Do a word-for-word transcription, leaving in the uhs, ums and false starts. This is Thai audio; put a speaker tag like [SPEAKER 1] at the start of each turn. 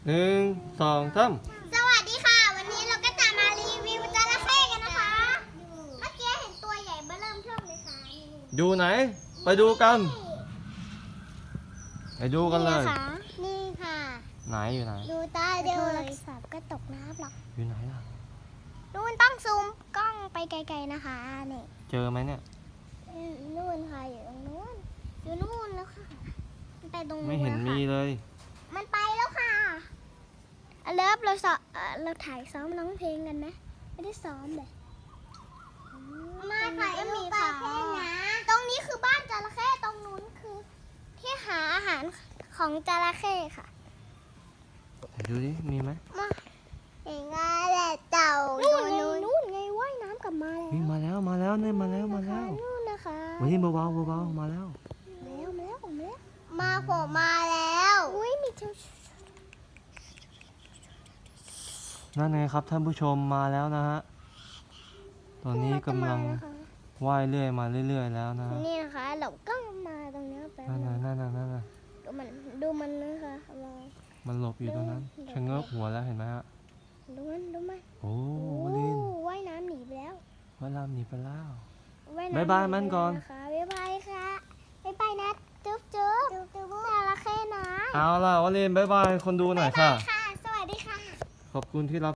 [SPEAKER 1] หนึ่งสองสาม
[SPEAKER 2] สวัสดีค่ะวันนี้เราก็จะมารีวิวจระเข้กันนะคะเมื่อกี้เห็นตัวใหญ่เบ้อเริ่มเทิ่มเลยค่ะ
[SPEAKER 1] อยู่ไหนไปดูกันไปดูกันเลย
[SPEAKER 2] นี่ค่ะ
[SPEAKER 1] ไหนอยู่ไหน
[SPEAKER 2] ดูตาเดียวโทรศัพท์ก็ตกน้ำหรอก
[SPEAKER 1] อยู่ไหนล่ะ
[SPEAKER 2] นู่นต้องซูมกล้องไปไกลๆนะคะนี่
[SPEAKER 1] เจอไหมเนี่ย
[SPEAKER 2] นู่นค่ะอยู่ตรงนู้นอยู่นู่นแล้วค่ะมันไปตรงนู้น
[SPEAKER 1] ไม่เห็นมีเลย
[SPEAKER 2] มันไปแล้วค่ะเลิฟเราสอเราถ่ายซ้อมร้องเพลงกันไหมไม่ได้ซ้อมเลยมาค่ะก็มีค่ะตรงนี้คือบ้านจระเข้ตรงนู้นคือ ที่หาอาหารของจระเข้ค่ะ
[SPEAKER 1] ไหนดูดิมีไหม
[SPEAKER 2] มาเห็นไงแหละเต่านู่นไงนู่นไงว่ายน้ำกลับมาแล้ว
[SPEAKER 1] วิ่งมาแล้วมาแล้วเนี่ยมาแล้วมาแล้ว
[SPEAKER 2] นู่นนะคะ
[SPEAKER 1] วันนี้เบาๆเบาๆมาแล้ว
[SPEAKER 2] มาแล้วมาแล้วมาแล้วมาผมมาแล้วอุ้ยมีเจ้า
[SPEAKER 1] นั่นไงครับท่านผู้ชมมาแล้วนะฮะตอนนี้กำลังว่ายเรื่อยมาเรื่อยๆแล้วนะฮะ
[SPEAKER 2] นี่นะคะเราก็มาตรงนี้แป๊บ
[SPEAKER 1] นั่น
[SPEAKER 2] นึ
[SPEAKER 1] น่ะ
[SPEAKER 2] ง
[SPEAKER 1] นั่นน่ะนั่นน่ะ
[SPEAKER 2] ดูมันดูมันนะคะเรา
[SPEAKER 1] มันหลบอยู่ตรงนั้นชะเง้อหัวแล้วเห็นไหมฮะ
[SPEAKER 2] ดูมันดูมัน
[SPEAKER 1] โอ้
[SPEAKER 2] โอ้
[SPEAKER 1] วลิน
[SPEAKER 2] ว่ายน้ำหนีไปแล้ว
[SPEAKER 1] วลามหนีไปแล้ว
[SPEAKER 2] ว่ายน้ำ
[SPEAKER 1] บ๊ายบายมันก่อน
[SPEAKER 2] หไปแล้วนะคะบ๊ายบายค่ะบ๊ายบายนะจุ๊บจุ๊บจุ๊บจระเข้นะ
[SPEAKER 1] เอาล่ะวลินบ๊ายบายคนดูหน่อยค่ะ
[SPEAKER 2] ค่ะ สวัสดีค่ะ
[SPEAKER 1] ขอบคุณที่รับ